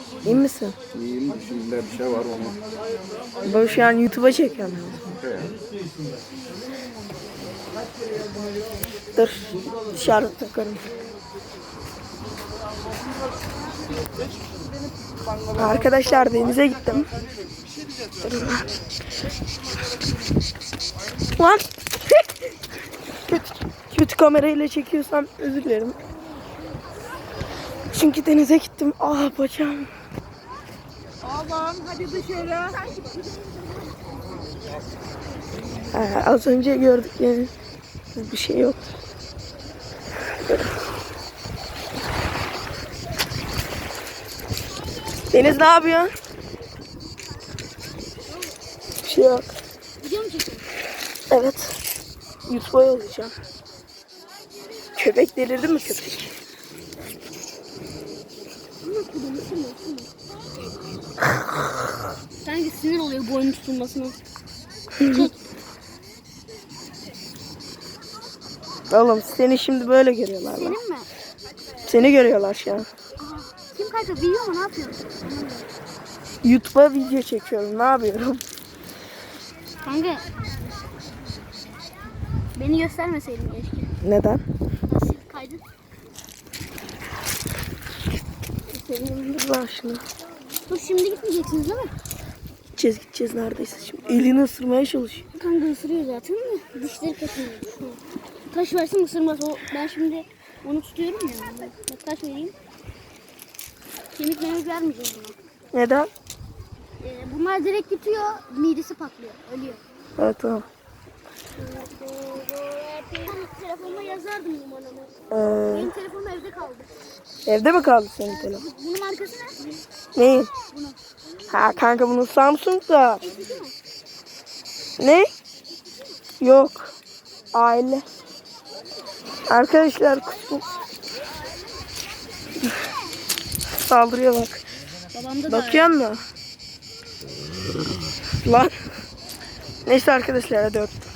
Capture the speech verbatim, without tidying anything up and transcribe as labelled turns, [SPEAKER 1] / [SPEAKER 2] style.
[SPEAKER 1] İyi misin?
[SPEAKER 2] İyiyim. Şimdi bir şey var onu.
[SPEAKER 1] Ben şu an YouTube'a çekiyorum.
[SPEAKER 2] Şey ya.
[SPEAKER 1] Dur. Dışarıda takarım. Arkadaşlar denize gittim. Dur. Lan. kötü, kötü kamerayla çekiyorsam özür dilerim. Çünkü denize gittim. Ah bacağım.
[SPEAKER 3] Allah'ım hadi dışarı.
[SPEAKER 1] Ee, az önce gördük yani. Bir şey yok. Deniz ne yapıyor? Bir şey yok.
[SPEAKER 3] Video mu çekiyorsun?
[SPEAKER 1] Evet. YouTube'a yollayacağım. Köpek delirdi mi köpek?
[SPEAKER 3] Sanki sinir oluyor boynun tutulmasına.
[SPEAKER 1] Oğlum seni şimdi böyle görüyorlar lan.
[SPEAKER 3] Senin mi?
[SPEAKER 1] Seni görüyorlar şu an.
[SPEAKER 3] Aha. Kim kanka biliyor mu ne yapıyorsun?
[SPEAKER 1] YouTube'a video çekiyorum. Ne yapıyorum?
[SPEAKER 3] Kanka. Beni göstermeseydin keşke.
[SPEAKER 1] Neden?
[SPEAKER 3] Nasıl kaydın?
[SPEAKER 1] Senin dur lan şunu.
[SPEAKER 3] Dur şimdi gitmeyeceksiniz değil mi?
[SPEAKER 1] Gideceğiz gideceğiz neredeyse şimdi. Elini ısırmaya çalışıyor.
[SPEAKER 3] Kanka ısırıyor zaten de dişleri kaçıyor. Taş versin ısırmaz. O, ben şimdi onu tutuyorum ya. Bak taş vereyim. Kemik memik vermeyeceğim buna.
[SPEAKER 1] Neden?
[SPEAKER 3] Ee, bunlar direkt tutuyor, midesi patlıyor, ölüyor.
[SPEAKER 1] Evet tamam.
[SPEAKER 3] Telefonuma yazardım numaramı.
[SPEAKER 1] Ee,
[SPEAKER 3] Benim telefonum evde kaldı.
[SPEAKER 1] evde mi kaldı senin telefon?
[SPEAKER 3] Bunun markası ne?
[SPEAKER 1] Neyin?
[SPEAKER 3] Bunu.
[SPEAKER 1] Ha kanka bunun Samsung da.
[SPEAKER 3] Eski mi?
[SPEAKER 1] Ne? Yok. Aile. Arkadaşlar kusur. Saldırıyor bak.
[SPEAKER 3] Babamda da
[SPEAKER 1] Bakıyor musun? Lan. Neyse arkadaşlar hadi öptüm.